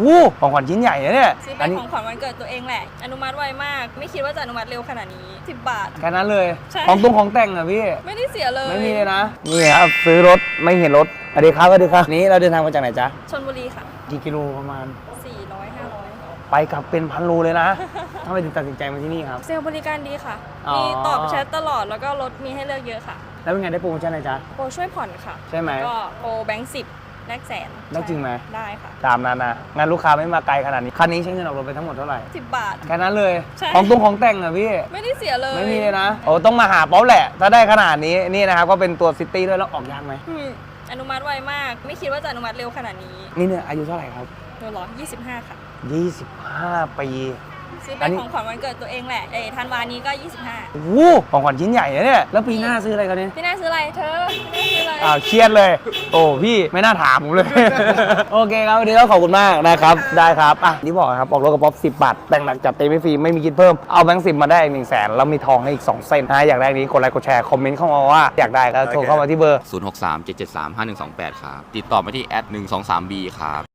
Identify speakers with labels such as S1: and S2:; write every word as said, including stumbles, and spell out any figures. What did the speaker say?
S1: วู้ของขวัญชิ้นใหญ่นะเนี่ย
S2: ซื้อเป็นของขวัญวันเกิดตัวเองแหละอนุมัติไวมากไม่คิดว่าจะอนุมัติเร็วขนาดนี้สิบบาท
S1: แค่นั้นเลย
S2: ใช่
S1: ของตุ้งของแต่งอะพี่
S2: ไม่ได้เสียเลย
S1: ไม่มีเลยนะนี่ครับซื้อรถไม่เห็นรถสวัสดีครับสวัสดีครับนี้เราเดินทางมาจากไหนจ๊ะ
S2: ชลบุรีค่ะ
S1: กี่กิโลประมาณ
S2: สี่ร้อยห้าร้อย
S1: ไปกลับเป็นพันโลเลยนะทำไมถึงตัดสินใจมาที่นี่ครับ
S2: เซลล์บริการดีค่ะ
S1: อ๋อ
S2: มีตอบแชทตลอดแล้วก็รถมีให้เลือกเยอะค่ะ
S1: แล้วเป็นไงได้โปรโมชั่นอะไรจ๊ะ
S2: โปรช่วยผ่อนค่ะ
S1: ใช่ไหม
S2: ก็โปรแบงค์สิบแลกแสน
S1: ได้จริงไหม
S2: ได้ค่ะ
S1: ตามนั้นนะงานลูกค้าไม่มาไกลขนาดนี้คันนี้ใช้เงินออกรถไปทั้งหมดเท่าไหร่
S2: สิบบาท
S1: แค่นั้นเลย
S2: ใช่
S1: ของตุ้งของแต่งอะพี่
S2: ไม่ได้เสียเลย
S1: ไม่มีเลยนะโอ้ต้องมาหาป๊อปแหละถ้าได้ขนาดนี้นี่นะครับก็เป็นตัวซิตี้ด้วยแล้วออกยากไหม
S2: อืมอนุมัติไวมากไม่คิดว่าจะอนุมัติเร็วขนาดนี้
S1: นี่เนี่ยอายุเท่าไหร่ครับ
S2: ตัวหรอยี่สิบห้าค่ะ
S1: ยี่สิบห้าปี
S2: ซื้อเป็นของขวัญวันเกิดตัวเองแหละเอ้ธันวานี้ก็ยี่สิบห้า
S1: วู้ของขวัญชิ้นใหญ่นะเนี่ยแล้วปีหน้าซื้ออะไรกันเนี่ย
S2: พี่น่าซื้ออะไรเธอพี่น่าซื้ออะไร
S1: อ้าวเครียดเลยโอ้พี่ไม่น่าถามผมเลย โอเคครับวันนี้ก็ขอบคุณมากนะครับได้ครับอ่ะนี่บอกครับออกรถกับป๊อปสิบบาทแต่งหนักจัดเต็มไม่ฟรีไม่มีคิดเพิ่มเอาแบงค์สิบมาได้อีกหนึ่งแสนแล้วมีทองให้อีกสองเส้นนะอยากได้นี้กดไลค์กดแชร์คอมเมนต์เข้ามาว่าอยากได้ก็โทรเข้ามาที่เบอร์
S3: ศูนย์ หก สาม เจ็ด เจ็ด สาม ห้า หนึ่ง สอง แปดครับติดต่อมาที่แอดหนึ่งสองสามบีครับ